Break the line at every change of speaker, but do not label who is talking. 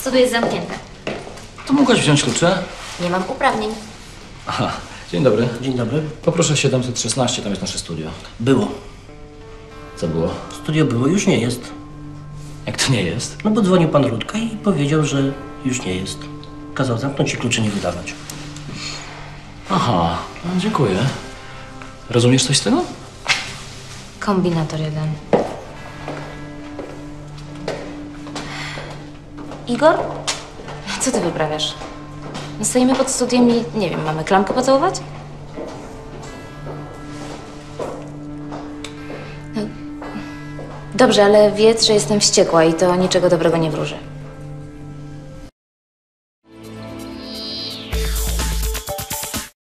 Studio jest zamknięte.
To mogłaś wziąć klucze?
Nie mam uprawnień.
Aha, dzień dobry.
Dzień dobry.
Poproszę 716, tam jest nasze studio.
Było.
Co było?
Studio było, już nie jest.
Jak to nie jest?
No bo dzwonił pan Rudka i powiedział, że już nie jest. Kazał zamknąć i kluczy nie wydawać.
Aha, no, dziękuję. Rozumiesz coś z tego?
Kombinator 1. Igor? Co ty wyprawiasz? No stoimy pod studiem i, nie wiem, mamy klamkę pocałować? No, dobrze, ale wiedz, że jestem wściekła i to niczego dobrego nie wróży.